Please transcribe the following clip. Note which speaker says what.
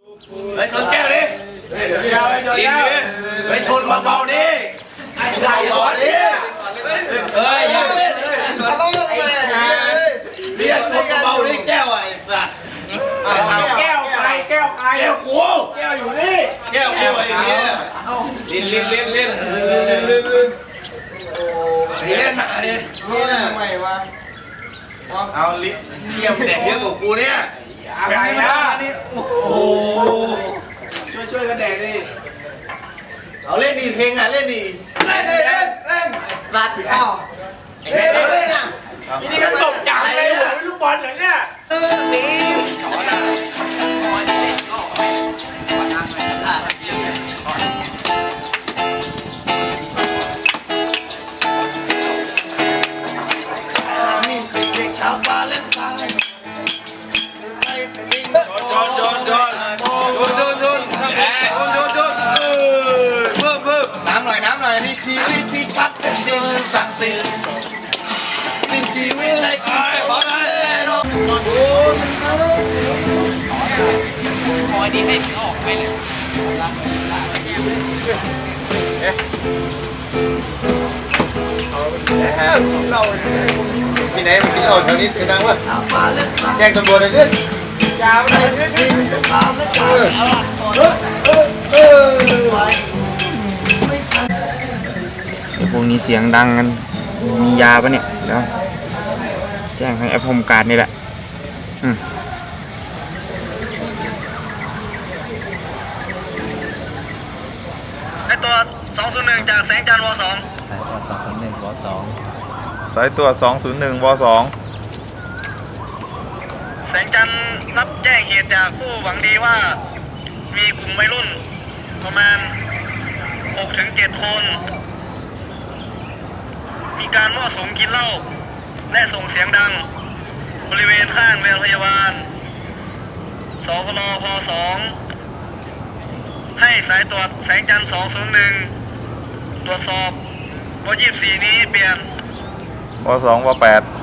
Speaker 1: เฮ้ยชนแก้วดิเฮ้ยชนเบาๆดิเบาๆดิเฮ้ยเรียกชนเบาๆดิแก้วไอ้สัตว์
Speaker 2: แก้วใครแก้วใคร
Speaker 1: แก้วกู
Speaker 2: แก้วอยู่นี่
Speaker 1: แก้วกูไอ้เงี้ย
Speaker 2: ลิ้นไอ้เล่นหนาดิทำไมวะ
Speaker 1: เอาลิ้นเทียมแดกเยอะกว่ากูเนี่ย
Speaker 2: อะไรนะโอ้ช่วยกันแดกดิ
Speaker 1: เอาเล่นดีเพลงอ่ะเล่นดี
Speaker 2: เล่นสัตว์อ้าวเล่นอ่ะนี่ก็ตกจังเลยหัวลูกบอลเหรอเนี่ย
Speaker 1: ชาวบ้านเล่นตาย
Speaker 2: โยนน้ำหน่อยนี่ชีวิตพี่ชัดเป็นดินศักดิ์สิทธิ์สิ้นชีวิตเลยกินแต่บอลแน่นอนคอยดีให้ออกไปเลย
Speaker 1: เราที่ไหนมันกินเหล้าแถวนี้เสียงดังวะแจ้งตำรวจเลยเนี่ยยาวเลย
Speaker 3: พวกนี้เสียงดังกันมียาปะเนี่ยเดี๋ยวแจ้งให้แอปโฮมการ์ดนี่แหละ
Speaker 4: ไอตัว201จากแสงจันทร์ว2
Speaker 5: สายตรวจ201 ว
Speaker 4: แสงจันทร์รับแจ้งเหตุจากผู้หวังดีว่ามีกลุ่มวัยรุ่นประมาณ 6-7 คน มีการมั่วสุมกินเหล้าและส่งเสียงดังบริเวณข้างโรงพยาบาลสพลพ2ให้สายตรวจแสงจันทร์201ตรวจสอบว24นี้เปลี่ยน
Speaker 5: 2 ว 2 ว 8